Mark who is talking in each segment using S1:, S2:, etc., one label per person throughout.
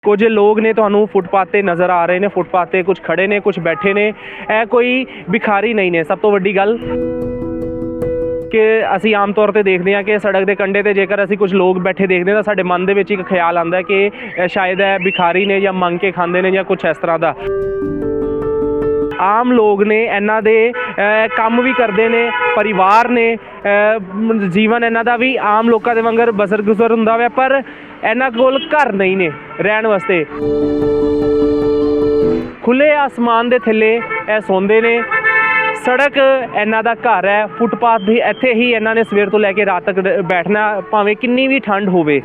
S1: कुछ लोग ने ਤੁਹਾਨੂੰ ਫੁੱਟਪਾਥ ਤੇ ਨਜ਼ਰ ਆ ਰਹੇ ਨੇ। ਫੁੱਟਪਾਥ ਤੇ ਕੁਝ ਖੜੇ ਨੇ, ਕੁਝ ਬੈਠੇ ਨੇ। ਇਹ ਕੋਈ ਭਿਖਾਰੀ ਨਹੀਂ ਨੇ। ਸਭ ਤੋਂ ਵੱਡੀ ਗੱਲ ਕਿ ਅਸੀਂ ਆਮ ਤੌਰ ਤੇ ਦੇਖਦੇ ਹਾਂ ਕਿ ਸੜਕ ਦੇ ਕੰਢੇ ਤੇ ਜੇਕਰ ਅਸੀਂ ਕੁਝ ਲੋਕ ਬੈਠੇ ਦੇਖਦੇ ਤਾਂ ਸਾਡੇ ਮਨ ਦੇ ਵਿੱਚ ਇੱਕ ਖਿਆਲ ਆਉਂਦਾ ਕਿ ਸ਼ਾਇਦ ਇਹ ਭਿਖਾਰੀ ਨੇ ਜਾਂ ਮੰਗ ਕੇ ਖਾਂਦੇ ਨੇ ਜਾਂ ਕੁਝ ਇਸ ਤਰ੍ਹਾਂ ਦਾ। ਆਮ ਲੋਕ ਨੇ, ਇਹਨਾਂ ਦੇ ਕੰਮ ਵੀ ਕਰਦੇ ਨੇ, ਪਰਿਵਾਰ ਨੇ, ਜੀਵਨ ਇਹਨਾਂ ਦਾ ਵੀ ਆਮ ਲੋਕਾਂ ਦੇ ਵਾਂਗਰ ਬਸਰ ਗੁਜ਼ਰ ਹੁੰਦਾ ਵਾ, ਪਰ ਇਹਨਾਂ ਕੋਲ ਘਰ ਨਹੀਂ ਨੇ ਰਹਿਣ ਵਾਸਤੇ। ਖੁੱਲੇ ਆਸਮਾਨ ਦੇ ਥੱਲੇ ਇਹ ਸੌਂਦੇ ਨੇ। ਸੜਕ ਇਹਨਾਂ ਦਾ ਘਰ ਹੈ। ਫੁੱਟਪਾਥ ਵੀ ਇੱਥੇ ਹੀ ਇਹਨਾਂ ਨੇ ਸਵੇਰ ਤੋਂ ਲੈ ਕੇ ਰਾਤ ਤੱਕ ਬੈਠਣਾ, ਭਾਵੇਂ ਕਿੰਨੀ ਵੀ ਠੰਡ ਹੋਵੇ।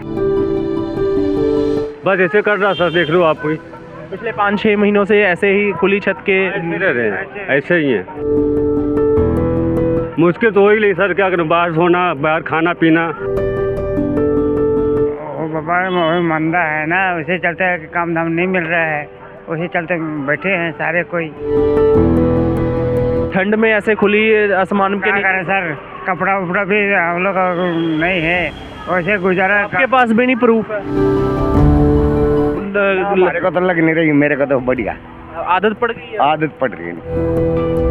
S2: बस ऐसे कर रहा सर, देख लो आप कोई
S1: पिछले 5-6 महीनों से ऐसे ही खुली छत के
S2: रह रहे हैं, ऐसे ही हैं। मुश्किल तो हो ही नहीं सर, क्या करूँ, बाहर सोना, बाहर खाना पीना।
S3: व्यापार मंदा है ना, उसी चलते काम धाम नहीं मिल रहा है, उसी चलते बैठे हैं सारे। कोई
S1: ठंड में ऐसे खुली आसमान के
S3: क्या करें सर, कपड़ा उपड़ा भी हम लोग नहीं है, वैसे गुजारा।
S1: आपके पास भी नहीं प्रूफ है?
S3: मेरे को तो लग नहीं रही, मेरे को तो बढ़िया
S1: आदत पड़ गई है।
S3: आदत पड़ रही है।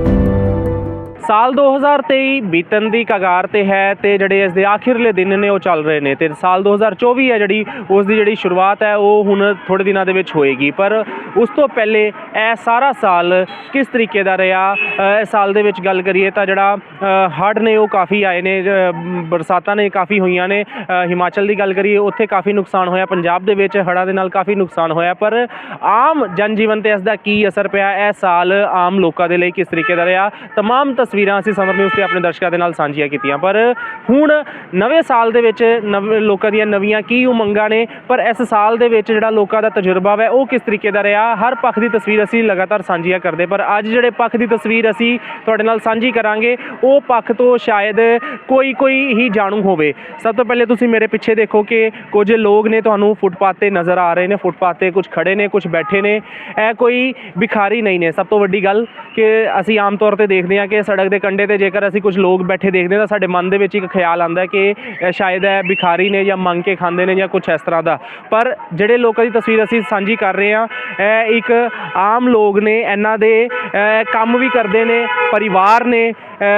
S1: ਸਾਲ 2023 ਬੀਤਣ ਦੀ ਕਗਾਰ ਤੇ ਹੈ ਤੇ ਜਿਹੜੇ ਇਸ ਦੇ ਆਖਿਰਲੇ ਦਿਨ ਨੇ ਉਹ ਚੱਲ ਰਹੇ ਨੇ ਤੇ ਸਾਲ 2024 ਹੈ ਜਿਹੜੀ ਉਸ ਦੀ ਜਿਹੜੀ ਸ਼ੁਰੂਆਤ ਹੈ ਉਹ ਹੁਣ ਥੋੜੇ ਦਿਨਾਂ ਦੇ ਵਿੱਚ ਹੋਏਗੀ। ਪਰ ਉਸ ਤੋਂ ਪਹਿਲੇ ਇਹ ਸਾਰਾ ਸਾਲ ਕਿਸ ਤਰੀਕੇ ਦਾ ਰਿਹਾ, ਇਸ ਸਾਲ ਦੇ ਵਿੱਚ ਗੱਲ ਕਰੀਏ ਤਾਂ ਜਿਹੜਾ ਹੜ੍ਹ ਨੇ ਉਹ ਕਾਫੀ ਆਏ ਨੇ, ਬਰਸਾਤਾਂ ਨੇ ਕਾਫੀ ਹੋਈਆਂ ਨੇ। ਹਿਮਾਚਲ ਦੀ ਗੱਲ ਕਰੀਏ ਉੱਥੇ ਕਾਫੀ ਨੁਕਸਾਨ ਹੋਇਆ, ਪੰਜਾਬ ਦੇ ਵਿੱਚ ਹੜ੍ਹਾਂ ਦੇ ਨਾਲ ਕਾਫੀ ਨੁਕਸਾਨ ਹੋਇਆ, ਪਰ ਆਮ ਜਨਜੀਵਨ ਤੇ ਇਸ ਦਾ ਕੀ ਅਸਰ ਪਿਆ, ਇਹ ਸਾਲ ਆਮ ਲੋਕਾਂ ਦੇ ਲਈ ਕਿਸ ਤਰੀਕੇ ਦਾ ਰਿਹਾ, ਤਮਾਮ ਤਸਵੀਰਾਂ ਅਸੀਂ ਸਮਰ ਨਿਊਜ਼ ਤੇ ਆਪਣੇ ਦਰਸ਼ਕਾਂ ਦੇ ਨਾਲ ਸਾਂਝੀਆਂ ਕੀਤੀਆਂ। ਪਰ ਹੁਣ ਨਵੇਂ ਸਾਲ ਦੇ ਵਿੱਚ ਲੋਕਾਂ ਦੀਆਂ ਨਵੀਆਂ ਕੀ ਉਮੰਗਾਂ ਨੇ, ਪਰ ਇਸ ਸਾਲ ਦੇ ਵਿੱਚ ਜਿਹੜਾ ਲੋਕਾਂ ਦਾ ਤਜਰਬਾ ਹੈ ਉਹ ਕਿਸ ਤਰੀਕੇ ਦਾ ਰਿਹਾ, ਹਰ ਪੱਖ ਦੀ ਤਸਵੀਰ ਅਸੀਂ ਲਗਾਤਾਰ ਸਾਂਝੀਆਂ ਕਰਦੇ। ਪਰ ਅੱਜ ਜਿਹੜੇ ਪੱਖ ਦੀ ਤਸਵੀਰ ਅਸੀਂ ਤੁਹਾਡੇ ਨਾਲ ਸਾਂਝੀ ਕਰਾਂਗੇ ਉਹ ਪੱਖ ਤੋਂ ਸ਼ਾਇਦ ਕੋਈ ਹੀ ਜਾਣੂ ਹੋਵੇ। ਸਭ ਤੋਂ ਪਹਿਲੇ ਤੁਸੀਂ ਮੇਰੇ ਪਿੱਛੇ ਦੇਖੋ ਕਿ ਕੁਝ ਲੋਕ ਨੇ ਤੁਹਾਨੂੰ ਫੁੱਟਪਾਥ ਤੇ ਨਜ਼ਰ ਆ ਰਹੇ ਨੇ। ਫੁੱਟਪਾਥ ਤੇ ਕੁਝ ਖੜੇ ਨੇ, ਕੁਝ ਬੈਠੇ ਨੇ। ਇਹ ਕੋਈ ਭਿਖਾਰੀ ਨਹੀਂ ਨੇ। ਸਭ ਤੋਂ ਵੱਡੀ ਗੱਲ ਕਿ ਅਸੀਂ ਆਮ ਤੌਰ ਤੇ ਦੇਖਦੇ ਹਾਂ ਕਿ ਸੜਕ ਦੇ ਕੰਢੇ ਤੇ ਜੇਕਰ ਅਸੀਂ ਕੁਝ ਲੋਕ ਬੈਠੇ ਦੇਖਦੇ ਤਾਂ ਸਾਡੇ ਮਨ ਦੇ ਵਿੱਚ ਇੱਕ ਖਿਆਲ ਆਉਂਦਾ ਕਿ ਸ਼ਾਇਦ ਇਹ ਭਿਖਾਰੀ ਨੇ ਜਾਂ ਮੰਗ ਕੇ ਖਾਂਦੇ ਨੇ ਜਾਂ ਕੁਝ ਇਸ ਤਰ੍ਹਾਂ ਦਾ। ਪਰ ਜਿਹੜੇ ਲੋਕਾਂ ਦੀ ਤਸਵੀਰ ਅਸੀਂ ਸਾਂਝੀ ਕਰ ਰਹੇ ਹਾਂ ਇਹ ਇੱਕ ਆਮ ਲੋਕ ਨੇ, ਇਹਨਾਂ ਦੇ ਕੰਮ ਵੀ ਕਰਦੇ ਨੇ, ਪਰਿਵਾਰ ਨੇ,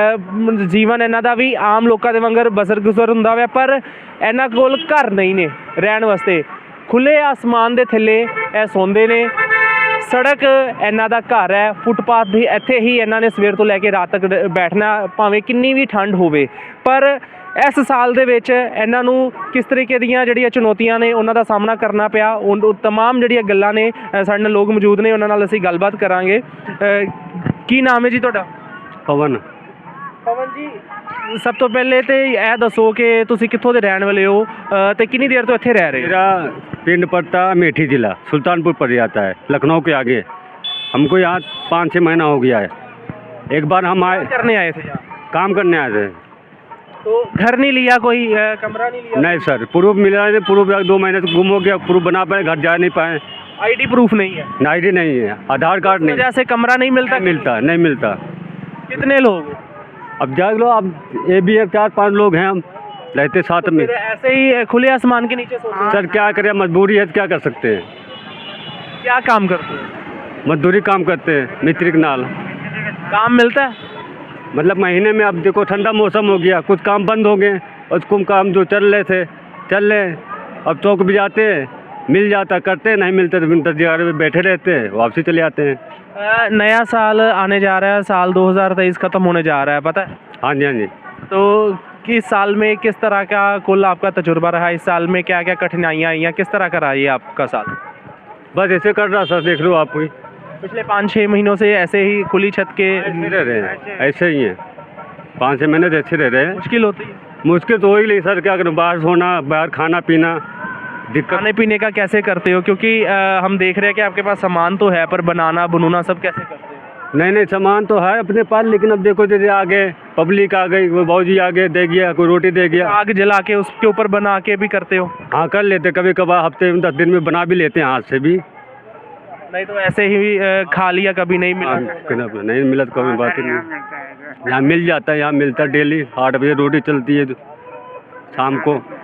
S1: ਜੀਵਨ ਇਹਨਾਂ ਦਾ ਵੀ ਆਮ ਲੋਕਾਂ ਦੇ ਵਾਂਗਰ ਬਸਰ ਗੁਜ਼ਰ ਹੁੰਦਾ ਵਾ, ਪਰ ਇਹਨਾਂ ਕੋਲ ਘਰ ਨਹੀਂ ਨੇ ਰਹਿਣ ਵਾਸਤੇ। ਖੁੱਲੇ ਆਸਮਾਨ ਦੇ ਥੱਲੇ ਇਹ ਸੌਂਦੇ ਨੇ। ਸੜਕ ਇਹਨਾਂ ਦਾ ਘਰ ਹੈ। ਫੁੱਟਪਾਥ ਵੀ ਇੱਥੇ ਹੀ ਇਹਨਾਂ ਨੇ ਸਵੇਰ ਤੋਂ ਲੈ ਕੇ ਰਾਤ ਤੱਕ ਬੈਠਣਾ, ਭਾਵੇਂ ਕਿੰਨੀ ਵੀ ਠੰਡ ਹੋਵੇ। ਪਰ ਇਸ ਸਾਲ ਦੇ ਵਿੱਚ ਇਹਨਾਂ ਨੂੰ ਕਿਸ ਤਰੀਕੇ ਦੀਆਂ ਜਿਹੜੀਆਂ ਚੁਣੌਤੀਆਂ ਨੇ ਉਹਨਾਂ ਦਾ ਸਾਹਮਣਾ ਕਰਨਾ ਪਿਆ, ਉਹ ਤਮਾਮ ਜਿਹੜੀਆਂ ਗੱਲਾਂ ਨੇ ਸਾਡੇ ਨਾਲ ਲੋਕ ਮੌਜੂਦ ਨੇ, ਉਹਨਾਂ ਨਾਲ ਅਸੀਂ ਗੱਲਬਾਤ ਕਰਾਂਗੇ। ਕੀ ਨਾਮ ਹੈ ਜੀ ਤੁਹਾਡਾ?
S2: पवन
S1: ਪਵਨ ਜੀ, ਸਭ ਤੋਂ ਪਹਿਲੇ ਤੇ ਇਹ ਦੱਸੋ ਕਿ ਤੁਸੀਂ ਕਿੱਥੋਂ ਦੇ ਰਹਿਣ ਵਾਲੇ ਹੋ ਤੇ ਕਿੰਨੀ ਦੇਰ ਤੋਂ ਇੱਥੇ ਰਹਿ ਰਹੇ ਹੋ?
S2: मेरा पिंड पड़ता है मेठी जिला, सुल्तानपुर पड़ जाता है, लखनऊ के आगे। हमको यहाँ 5-6 महीना हो गया है। एक बार हम आए,
S1: करने आए थे यहाँ?
S2: काम करने आए थे।
S1: तो घर नहीं लिया, कोई कमरा नहीं लिया?
S2: नहीं सर, प्रूफ मिला है, प्रूफ 2 महीने से गुम हो गया, प्रूफ बना पाए, घर जा नहीं पाए।
S1: आईडी प्रूफ नहीं है?
S2: आईडी नहीं है, आधार कार्ड नहीं,
S1: वजह से कमरा नहीं मिलता?
S2: नहीं मिलता।
S1: कितने लोग?
S2: अब जाग लो, अब ये भी है 4-5 लोग हैं, हम रहते साथ में।
S1: फिर ऐसे ही खुले आसमान के नीचे सोते हैं?
S2: सर क्या करें, मजबूरी है तो क्या कर सकते हैं।
S1: क्या काम करते हैं?
S2: मजदूरी काम करते हैं, मिस्त्री के नाल।
S1: काम मिलता है?
S2: मतलब महीने में, अब देखो ठंडा मौसम हो गया, कुछ काम बंद हो गए, और कुछ काम जो चल रहे थे चल रहे। अब चौक भी जाते हैं, मिल जाता करते, नहीं मिलते तो 10 जगह में बैठे रहते हैं, वापसी चले आते हैं।
S1: नया साल आने जा रहा है, साल 2023 ख़त्म होने जा रहा है, पता है?
S2: हाँ जी, हाँ जी।
S1: तो किस साल में किस तरह का कुल आपका तजुर्बा रहा, इस साल में क्या क्या कठिनाइयाँ आई हैं, किस तरह का रहा ये आपका साल?
S2: बस ऐसे कर रहा सर, देख लो आप कोई
S1: पिछले 5-6 महीनों से ऐसे ही खुली छत के
S2: रह रहे हैं, ऐसे ही हैं। 5-6 महीने से ऐसे रह रहे हैं।
S1: मुश्किल होती है?
S2: मुश्किल तो हो ही नहीं सर, क्या करूँ, बाहर सोना, बाहर खाना पीना, दिक्कत।
S1: खाने पीने का कैसे करते हो, क्योंकि हम देख रहे हैं कि आपके पास सामान तो है पर बनाना बुनना सब कैसे करते हो?
S2: नहीं सामान तो है अपने पास, लेकिन अब देखो जैसे आगे पब्लिक आ गई, कोई भाजी आगे दे गया, कोई रोटी दे गया,
S1: आग जला के उसके ऊपर बना के भी करते हो?
S2: हाँ कर लेते, कभी कभार हफ्ते में 10 दिन में बना भी लेते हैं हाथ से भी।
S1: नहीं तो ऐसे ही खा लिया, कभी नहीं मिला?
S2: नहीं मिला तो कभी बात ही नहीं। यहाँ मिल जाता है, यहाँ मिलता है डेली 8 बजे रोटी चलती है शाम को।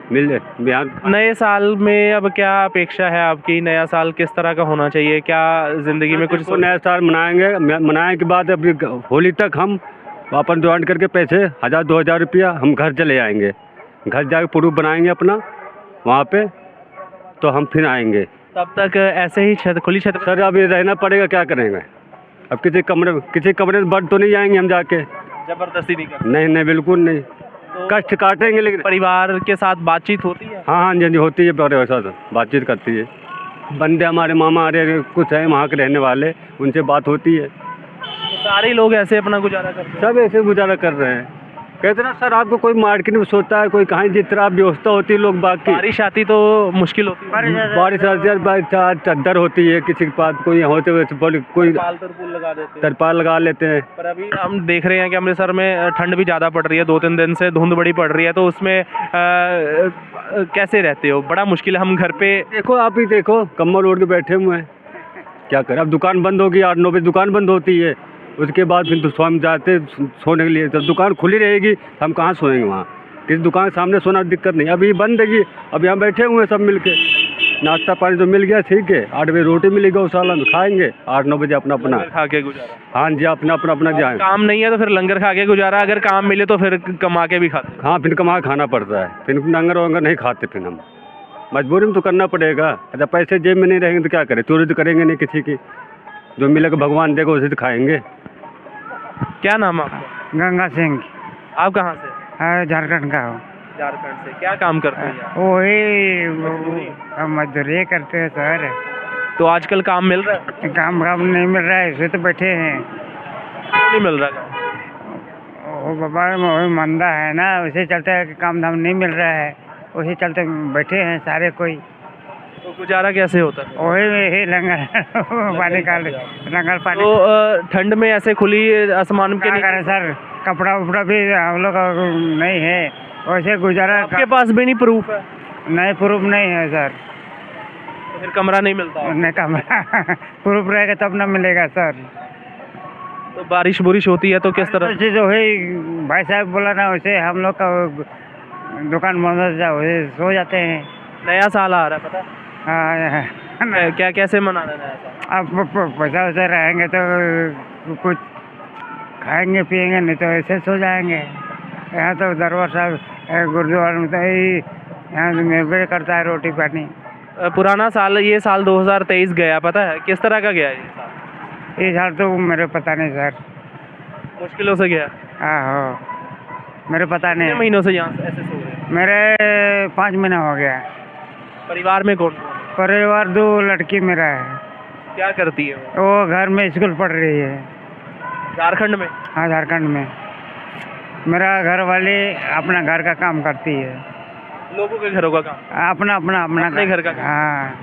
S2: मिल जाए यहाँ।
S1: नए साल में अब क्या अपेक्षा है आपकी? नया साल किस तरह का होना चाहिए? क्या जिंदगी में कुछ
S2: तो नया साल मनाएंगे, मनाने के बाद अभी होली तक हम अपन ज्वाइन करके पैसे 1000-2000 रुपया हम घर चले आएंगे। घर जाके प्रूफ बनाएंगे अपना वहाँ पे, तो हम फिर आएंगे।
S1: तब तक ऐसे ही छत खुली छत
S2: सर अभी रहना पड़ेगा, क्या करेंगे? अब किसी कमरे में बढ़ तो नहीं जाएंगे हम जाके।
S1: जबरदस्ती नहीं कर।
S2: नहीं नहीं, बिल्कुल नहीं, कष्ट काटेंगे लेकिन।
S1: परिवार के साथ बातचीत होती है?
S2: हाँ हाँ जी होती है, परिवार के साथ बातचीत करती है। बंदे हमारे मामा अरे कुछ है वहाँ के रहने वाले, उनसे बात होती है।
S1: तो सारे लोग ऐसे अपना गुजारा करते हैं?
S2: सब ऐसे गुजारा कर रहे हैं। कहते ना सर, आपको कोई मार्केट में सोचता है, कोई कहीं जिस तरह व्यवस्था होती है लोग बाकी।
S1: बारिश आती तो मुश्किल होती है।
S2: बारिश आती है, चादर होती है, किसी के पास कोई होते हुए कोई
S1: तरपाल लगा देते हैं।
S2: तरपाल लगा लेते हैं।
S1: पर अभी हम देख रहे हैं कि अमृतसर में ठंड भी ज़्यादा पड़ रही है, 2-3 दिन से धुंध बड़ी पड़ रही है, तो उसमें कैसे रहते हो? बड़ा मुश्किल है। हम घर पे
S2: देखो, आप ही देखो, कम्बल ओढ़ के बैठे हुए हैं, क्या करें? अब दुकान बंद होगी, 8-9 बजे दुकान बंद होती है, उसके बाद फिर तो हम जाते सोने के लिए। जब दुकान खुली रहेगी हम कहाँ सोएंगे? वहाँ किसी दुकान के सामने सोना दिक्कत नहीं। अभी बंद है, अब यहाँ बैठे हुए हैं सब मिल के। नाश्ता पानी तो मिल गया, ठीक है। 8 बजे रोटी मिलेगी गौशाला में, खाएंगे। 8-9 बजे अपना
S1: खा के गुजारा।
S2: हाँ जी, अपना जाए।
S1: काम नहीं है तो फिर लंगर खा के गुजारा, अगर काम मिले तो फिर कमा के भी खाते।
S2: हाँ, फिर कमा के खाना पड़ता है, फिर लंगर वंगर नहीं खाते, फिर हम मजबूरी में तो करना पड़ेगा। अच्छा, पैसे जेब में नहीं रहेंगे तो क्या करें? चोरी तो करेंगे नहीं किसी की, जो मिलेगा भगवान देगा उसे तो खाएंगे।
S1: क्या नाम है आपका?
S3: गंगा सिंह।
S1: आप कहाँ से?
S3: हाँ, झारखंड का हो।
S1: झारखंड से। क्या काम करते हैं आप?
S3: वही हम मजदूरी करते हैं सर।
S1: तो आजकल काम मिल रहा है?
S3: काम नहीं मिल रहा है, इसे तो बैठे हैं।
S1: क्यों नहीं मिल रहा काम?
S3: वो बाबा वही मंदा है ना, उसे चलते है कि काम धाम नहीं मिल रहा है, उसी चलते बैठे हैं सारे कोई।
S1: तो गुजारा कैसे होता है?
S3: वही यही लंगर पानी का लंगर पानी।
S1: तो ठंड में ऐसे खुली आसमान के
S3: क्या
S1: नीचे
S3: करें सर, कपड़ा उपड़ा भी हम लोग का नहीं है, वैसे गुजारा।
S1: आपके पास भी नहीं प्रूफ है?
S3: नहीं, प्रूफ नहीं है सर।
S1: तो फिर कमरा नहीं मिलता?
S3: नहीं, कमरा प्रूफ रहेगा तब ना मिलेगा सर।
S1: तो बारिश बुरिश होती है तो किस तरह?
S3: चीज़ वही भाई साहब बोला ना, वैसे हम लोग का दुकान बंद हो जाए, वैसे सो जाते हैं।
S1: नया साल आ रहा है, पता है?
S3: हाँ,
S1: क्या कैसे मनाना है नया साल?
S3: अब पैसा वैसा रहेंगे तो कुछ खाएंगे पिएंगे, नहीं तो ऐसे सो जाएंगे। यहाँ तो दरबार साहब गुरुद्वारा में तो यहाँ से निर्भर करता है रोटी पानी।
S1: पुराना साल, ये साल 2023 गया, पता है किस तरह का गया ये साल?
S3: ये साल तो मेरे पता नहीं सर।
S1: मुश्किलों से गया।
S3: हाँ, मेरे पता
S1: कितने
S3: नहीं।
S1: महीनों से यहाँ ऐसे सो रहे हैं?
S3: मेरे 5 महीना हो गया।
S1: परिवार में कौन?
S3: परिवार 2 लड़की मेरा है।
S1: क्या करती है वो?
S3: वो घर में स्कूल पढ़ रही है।
S1: झारखंड में?
S3: हाँ, झारखंड में। मेरा घर वाले अपना घर का काम करती है।
S1: लोगों के घरों का काम?
S3: अपना
S1: अपने घर का काम।
S3: हाँ।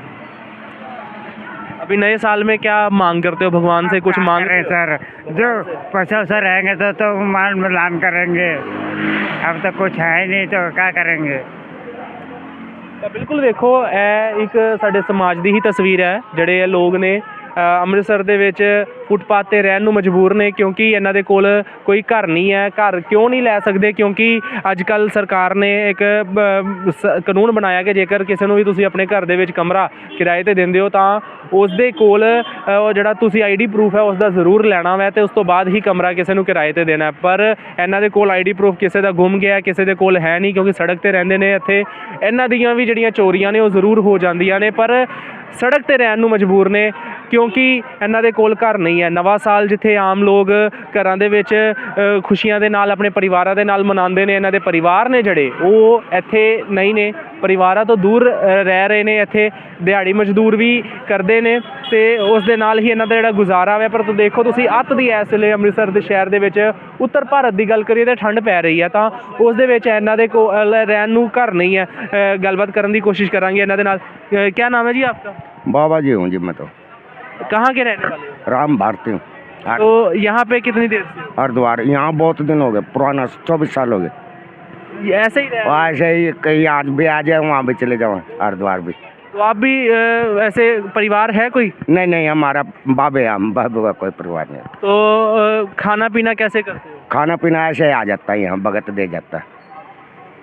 S1: अभी नए साल में क्या मांग करते हो भगवान से? कुछ मांग
S3: रहे सर, जो पैसा वैसा रहेंगे तो मान मिलान करेंगे। अब तो कुछ है ही नहीं तो क्या करेंगे?
S1: ਤਾਂ ਬਿਲਕੁਲ ਵੇਖੋ, ਇਹ ਇੱਕ ਸਾਡੇ ਸਮਾਜ ਦੀ ਹੀ ਤਸਵੀਰ ਹੈ। ਜਿਹੜੇ ਇਹ ਲੋਕ ਨੇ ਅੰਮ੍ਰਿਤਸਰ ਦੇ ਵਿੱਚ ਫੁੱਟਪਾਥ 'ਤੇ ਰਹਿਣ ਨੂੰ ਮਜਬੂਰ ਨੇ, ਕਿਉਂਕਿ ਇਹਨਾਂ ਦੇ ਕੋਲ ਕੋਈ ਘਰ ਨਹੀਂ ਹੈ। ਘਰ ਕਿਉਂ ਨਹੀਂ ਲੈ ਸਕਦੇ? ਕਿਉਂਕਿ ਅੱਜ ਕੱਲ੍ਹ ਸਰਕਾਰ ਨੇ ਇੱਕ ਕਾਨੂੰਨ ਬਣਾਇਆ ਕਿ ਜੇਕਰ ਕਿਸੇ ਨੂੰ ਵੀ ਤੁਸੀਂ ਆਪਣੇ ਘਰ ਦੇ ਵਿੱਚ ਕਮਰਾ ਕਿਰਾਏ 'ਤੇ ਦਿੰਦੇ ਹੋ ਤਾਂ ਉਸ ਦੇ ਕੋਲ ਉਹ ਜਿਹੜਾ ਤੁਸੀਂ ਆਈਡੀ ਪ੍ਰੂਫ ਹੈ ਉਸ ਦਾ ਜ਼ਰੂਰ ਲੈਣਾ ਵੈ, ਅਤੇ ਉਸ ਤੋਂ ਬਾਅਦ ਹੀ ਕਮਰਾ ਕਿਸੇ ਨੂੰ ਕਿਰਾਏ 'ਤੇ ਦੇਣਾ। ਪਰ ਇਹਨਾਂ ਦੇ ਕੋਲ ਆਈਡੀ ਪ੍ਰੂਫ ਕਿਸੇ ਦਾ ਗੁੰਮ ਗਿਆ, ਕਿਸੇ ਦੇ ਕੋਲ ਹੈ ਨਹੀਂ, ਕਿਉਂਕਿ ਸੜਕ 'ਤੇ ਰਹਿੰਦੇ ਨੇ। ਇੱਥੇ ਇਹਨਾਂ ਦੀਆਂ ਵੀ ਜਿਹੜੀਆਂ ਚੋਰੀਆਂ ਨੇ ਉਹ ਜ਼ਰੂਰ ਹੋ ਜਾਂਦੀਆਂ ਨੇ, ਪਰ ਸੜਕ 'ਤੇ ਰਹਿਣ ਨੂੰ ਮਜਬੂਰ ਨੇ ਕਿਉਂਕਿ ਇਹਨਾਂ ਦੇ ਕੋਲ ਘਰ ਨਹੀਂ ਹੈ। ਨਵਾਂ ਸਾਲ ਜਿੱਥੇ ਆਮ ਲੋਕ ਘਰਾਂ ਦੇ ਵਿੱਚ ਖੁਸ਼ੀਆਂ ਦੇ ਨਾਲ ਆਪਣੇ ਪਰਿਵਾਰਾਂ ਦੇ ਨਾਲ ਮਨਾਉਂਦੇ ਨੇ, ਇਹਨਾਂ ਦੇ ਪਰਿਵਾਰ ਨੇ ਜਿਹੜੇ ਉਹ ਇੱਥੇ ਨਹੀਂ ਨੇ, ਪਰਿਵਾਰਾਂ ਤੋਂ ਦੂਰ ਰਹਿ ਰਹੇ ਨੇ। ਇੱਥੇ ਦਿਹਾੜੀ ਮਜ਼ਦੂਰ ਵੀ ਕਰਦੇ ਨੇ ਅਤੇ ਉਸ ਦੇ ਨਾਲ ਹੀ ਇਹਨਾਂ ਦਾ ਜਿਹੜਾ ਗੁਜ਼ਾਰਾ ਹੈ। ਪਰ ਦੇਖੋ ਤੁਸੀਂ, ਅੱਤ ਦੀ ਇਸ ਵੇਲੇ ਅੰਮ੍ਰਿਤਸਰ ਦੇ ਸ਼ਹਿਰ ਦੇ ਵਿੱਚ ਉੱਤਰ ਭਾਰਤ ਦੀ ਗੱਲ ਕਰੀਏ ਤਾਂ ਠੰਡ ਪੈ ਰਹੀ ਹੈ, ਤਾਂ ਉਸ ਦੇ ਵਿੱਚ ਇਹਨਾਂ ਦੇ ਕੋਲ ਰਹਿਣ ਨੂੰ ਘਰ ਨਹੀਂ ਹੈ। ਗੱਲਬਾਤ ਕਰਨ ਦੀ ਕੋਸ਼ਿਸ਼ ਕਰਾਂਗੇ ਇਹਨਾਂ ਦੇ ਨਾਲ। क्या नाम है जी आपका?
S4: बाबा जी हूँ जी मैं तो।
S1: कहाँ के रहने वाले हो?
S4: राम भारती हूँ।
S1: तो यहाँ पे कितनी देर से हो?
S4: हरिद्वार यहाँ बहुत दिन हो गए, पुराना 24 साल हो गए।
S1: ये ऐसे ही रहे?
S4: ऐसे ही कहीं आज भी आ जाए, वहाँ भी चले जाओ, हरिद्वार भी।
S1: तो आप भी ऐसे परिवार है कोई?
S4: नहीं, हमारा बाबे, हम बाबू का कोई परिवार नहीं।
S1: तो खाना पीना कैसे करते हो?
S4: खाना पीना ऐसे ही आ जाता है, यहाँ भगत दे जाता है।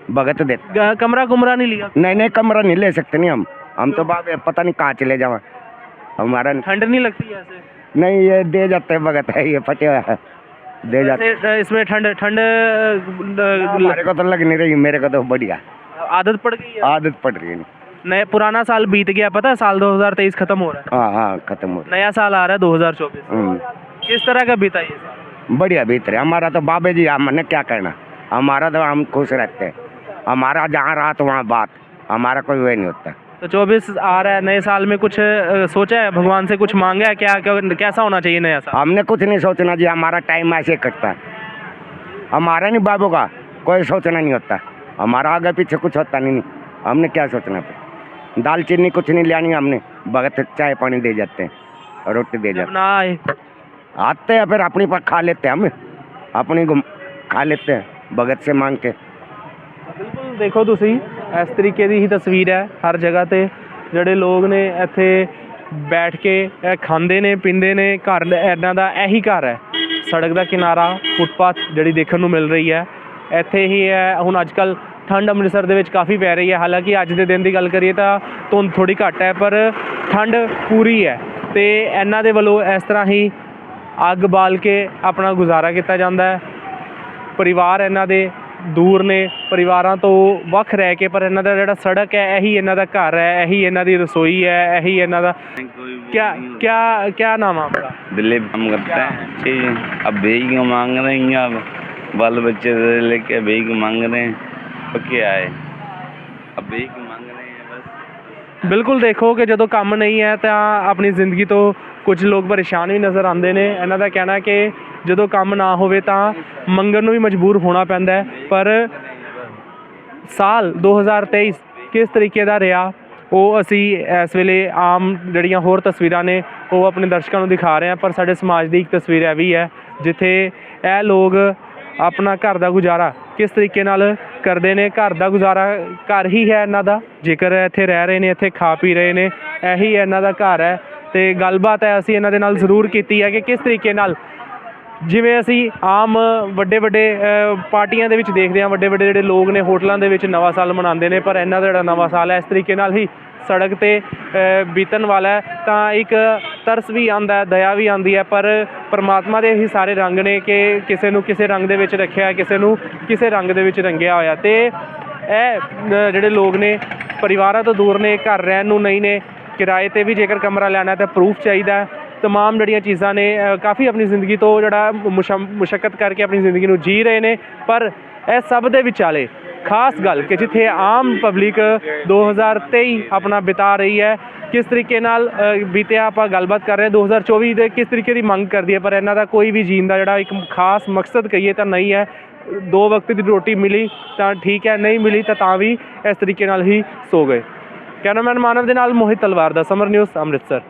S4: भगत देते।
S1: कमरा कुमरा नहीं लिया?
S4: नहीं नहीं, कमरा नहीं ले सकते नहीं हम तो बाबे पता नहीं कहाँ चले जाओ, हमारा
S1: ठंड नहीं लगती ऐसे?
S4: नहीं, ये दे जाते हैं भगत है, ये फटे हुआ है, दे जाते।
S1: वैसे इसमें ठंड ठंड
S4: हमारे को तो लग नहीं रही, मेरे को तो बढ़िया
S1: आदत पड़ गई है?
S4: आदत पड़ रही है।
S1: नए पुराना साल बीत गया, पता है, साल 2023 खत्म हो रहा
S4: हाँ हाँ, खत्म हो
S1: है, नया साल आ रहा है 2024।
S4: रहा।
S1: किस तरह का बीता ये साल?
S4: बढ़िया भीतर है हमारा तो बाबे जी, हमने क्या करना, हमारा तो हम खुश रहते हैं, हमारा जहाँ रहा तो वहाँ बात, हमारा कोई वही नहीं होता।
S1: तो 24 आ रहा है, नए साल में कुछ सोचा है, भगवान से कुछ मांगा है क्या, कैसा होना चाहिए नया साल?
S4: हमने कुछ नहीं सोचना जी, हमारा टाइम ऐसे कटता है, हमारा नहीं बाबू का कोई सोचना नहीं होता, हमारा आगे पीछे कुछ होता नहीं, हमने क्या सोचना फिर, दाल चीनी कुछ नहीं लानी, हमने भगत चाय पानी दे जाते हैं, रोटी दे
S1: जब
S4: जाते
S1: ना आए
S4: हैं, आते हैं फिर अपनी पर खा लेते हैं, हम अपनी खा लेते हैं भगत से मांग के।
S1: ਬਿਲਕੁਲ ਦੇਖੋ ਤੁਸੀਂ ਇਸ ਤਰੀਕੇ ਦੀ ਹੀ ਤਸਵੀਰ ਹੈ, ਹਰ ਜਗ੍ਹਾ ਤੇ ਜਿਹੜੇ ਲੋਕ ਨੇ ਇੱਥੇ ਬੈਠ ਕੇ ਇਹ ਖਾਂਦੇ ਨੇ ਪੀਂਦੇ ਨੇ, ਘਰ ਇਹਨਾਂ ਦਾ ਇਹੀ ਘਰ ਹੈ, ਸੜਕ ਦਾ ਕਿਨਾਰਾ, ਫੁੱਟਪਾਥ ਜਿਹੜੀ ਦੇਖਣ ਨੂੰ ਮਿਲ ਰਹੀ ਹੈ ਇੱਥੇ ਹੀ ਹੈ। ਹੁਣ ਅੱਜ ਕੱਲ੍ਹ ਠੰਡ ਅੰਮ੍ਰਿਤਸਰ ਦੇ ਵਿੱਚ ਕਾਫੀ ਪੈ ਰਹੀ ਹੈ, ਹਾਲਾਂਕਿ ਅੱਜ ਦੇ ਦਿਨ ਦੀ ਗੱਲ ਕਰੀਏ ਤਾਂ ਧੁੰਦ ਥੋੜ੍ਹੀ ਘੱਟ ਹੈ, ਪਰ ਠੰਡ ਪੂਰੀ ਹੈ ਤੇ ਇਹਨਾਂ ਦੇ ਵੱਲੋਂ ਇਸ ਤਰ੍ਹਾਂ ਹੀ ਅੱਗ ਬਾਲ ਕੇ ਆਪਣਾ ਗੁਜ਼ਾਰਾ ਕੀਤਾ ਜਾਂਦਾ ਹੈ। ਪਰਿਵਾਰ ਇਹਨਾਂ ਦੇ ਦੂਰ ਨੇ, ਪਰਿਵਾਰਾਂ ਤੋਂ ਵੱਖ ਰਹਿ ਕੇ, ਪਰ ਇਹਨਾਂ ਦਾ ਜਿਹੜਾ ਸੜਕ ਹੈ ਇਹੀ ਇਹਨਾਂ ਦਾ ਘਰ ਹੈ, ਇਹੀ ਇਹਨਾਂ ਦੀ ਰਸੋਈ ਹੈ, ਇਹੀ ਇਹਨਾਂ ਦਾ। क्या नाम है आपका?
S5: दिलीप काम करते हैं ठीक, अब भीख मांग रहे हैं, अब बाल बच्चे लेके भीख मांग रहे हैं, तो क्या है, अब भीख मांग रहे हैं बस।
S1: ਬਿਲਕੁਲ ਦੇਖੋ ਕਿ ਜਦੋਂ ਕੰਮ ਨਹੀਂ ਹੈ ਤਾਂ ਆਪਣੀ ਜ਼ਿੰਦਗੀ ਤੋਂ ਕੁਝ ਲੋਕ ਪਰੇਸ਼ਾਨ ਵੀ ਨਜ਼ਰ ਆਉਂਦੇ ਨੇ। ਇਹਨਾਂ ਦਾ ਕਹਿਣਾ ਕਿ ਜਦੋਂ ਕੰਮ ਨਾ ਹੋਵੇ ਤਾਂ ਮੰਗਣ ਨੂੰ ਵੀ ਮਜਬੂਰ ਹੋਣਾ ਪੈਂਦਾ ਹੈ। ਪਰ ਸਾਲ 2023 ਕਿਸ ਤਰੀਕੇ ਦਾ ਰਿਹਾ ਉਹ ਅਸੀਂ ਇਸ ਵੇਲੇ ਆਮ ਜਿਹੜੀਆਂ ਹੋਰ ਤਸਵੀਰਾਂ ਨੇ ਉਹ ਆਪਣੇ ਦਰਸ਼ਕਾਂ ਨੂੰ ਦਿਖਾ ਰਹੇ ਹਾਂ, ਪਰ ਸਾਡੇ ਸਮਾਜ ਦੀ ਇੱਕ ਤਸਵੀਰ ਇਹ ਵੀ ਹੈ ਜਿੱਥੇ ਇਹ ਲੋਕ ਆਪਣਾ ਘਰ ਦਾ ਗੁਜ਼ਾਰਾ ਕਿਸ ਤਰੀਕੇ ਨਾਲ ਕਰਦੇ ਨੇ। ਘਰ ਦਾ ਗੁਜ਼ਾਰਾ ਘਰ ਹੀ ਹੈ ਇਹਨਾਂ ਦਾ, ਜੇਕਰ ਇੱਥੇ ਰਹਿ ਰਹੇ ਨੇ, ਇੱਥੇ ਖਾ ਪੀ ਰਹੇ ਨੇ, ਇਹੀ ਇਹਨਾਂ ਦਾ ਘਰ ਹੈ। ਤੇ ਗੱਲਬਾਤ ਹੈ ਅਸੀਂ ਇਹਨਾਂ ਦੇ ਨਾਲ ਜ਼ਰੂਰ ਕੀਤੀ ਹੈ ਕਿ ਕਿਸ ਤਰੀਕੇ ਨਾਲ, ਜਿਵੇਂ ਅਸੀਂ ਆਮ ਵੱਡੇ ਪਾਰਟੀਆਂ ਦੇ ਵਿੱਚ ਦੇਖਦੇ ਹਾਂ, ਵੱਡੇ ਜਿਹੜੇ ਲੋਕ ਨੇ ਹੋਟਲਾਂ ਦੇ ਵਿੱਚ ਨਵਾਂ ਸਾਲ ਮਨਾਉਂਦੇ ਨੇ, ਪਰ ਇਹਨਾਂ ਦਾ ਜਿਹੜਾ ਨਵਾਂ ਸਾਲ ਹੈ ਇਸ ਤਰੀਕੇ ਨਾਲ ਹੀ ਸੜਕ 'ਤੇ ਬੀਤਣ ਵਾਲਾ ਹੈ। ਤਾਂ ਇੱਕ ਤਰਸ ਵੀ ਆਉਂਦਾ, ਦਇਆ ਵੀ ਆਉਂਦੀ ਹੈ, ਪਰ ਪਰਮਾਤਮਾ ਦੇ ਹੀ ਸਾਰੇ ਰੰਗ ਨੇ ਕਿ ਕਿਸੇ ਨੂੰ ਕਿਸੇ ਰੰਗ ਦੇ ਵਿੱਚ ਰੱਖਿਆ, ਕਿਸੇ ਨੂੰ ਕਿਸੇ ਰੰਗ ਦੇ ਵਿੱਚ ਰੰਗਿਆ ਹੋਇਆ। ਤੇ ਇਹ ਜਿਹੜੇ ਲੋਕ ਨੇ ਪਰਿਵਾਰਾਂ ਤੋਂ ਦੂਰ ਨੇ, ਘਰ ਰਹਿਣ ਨੂੰ ਨਹੀਂ ਨੇ, ਕਿਰਾਏ 'ਤੇ ਵੀ ਜੇਕਰ ਕਮਰਾ ਲੈਣਾ ਤਾਂ ਪ੍ਰੂਫ ਚਾਹੀਦਾ। ਤਮਾਮ ਜਿਹੜੀਆਂ ਚੀਜ਼ਾਂ ਨੇ, ਕਾਫੀ ਆਪਣੀ ਜ਼ਿੰਦਗੀ ਤੋਂ ਜਿਹੜਾ ਮੁਸ਼ੱਕਤ ਕਰਕੇ ਆਪਣੀ ਜ਼ਿੰਦਗੀ ਨੂੰ ਜੀ ਰਹੇ ਨੇ। ਪਰ ਇਹ ਸਭ ਦੇ ਵਿਚਾਲੇ ਖਾਸ ਗੱਲ ਕਿ ਜਿੱਥੇ ਆਮ ਪਬਲਿਕ 2023 ਆਪਣਾ ਬਿਤਾ ਰਹੀ ਹੈ, ਕਿਸ ਤਰੀਕੇ ਨਾਲ ਬੀਤਿਆ, ਆਪਾਂ ਗੱਲਬਾਤ ਕਰ ਰਹੇ ਹਾਂ 2024 ਦੇ ਕਿਸ ਤਰੀਕੇ ਦੀ ਮੰਗ ਕਰਦੀ ਹੈ, ਪਰ ਇਹਨਾਂ ਦਾ ਕੋਈ ਵੀ ਜੀਣ ਦਾ ਜਿਹੜਾ ਇੱਕ ਖਾਸ ਮਕਸਦ ਕਹੀਏ ਤਾਂ ਨਹੀਂ ਹੈ। 2 ਵਕਤ ਦੀ ਰੋਟੀ ਮਿਲੀ ਤਾਂ ਠੀਕ ਹੈ, ਨਹੀਂ ਮਿਲੀ ਤਾਂ ਵੀ ਇਸ ਤਰੀਕੇ ਨਾਲ ਹੀ ਸੋ ਗਏ। ਕੈਮਰਾਮੈਨ ਮਾਨਵ ਦੇ ਨਾਲ ਮੋਹਿਤ ਤਲਵਾਰ ਦਾ ਸਮਰ ਨਿਊਜ਼ ਅੰਮ੍ਰਿਤਸਰ।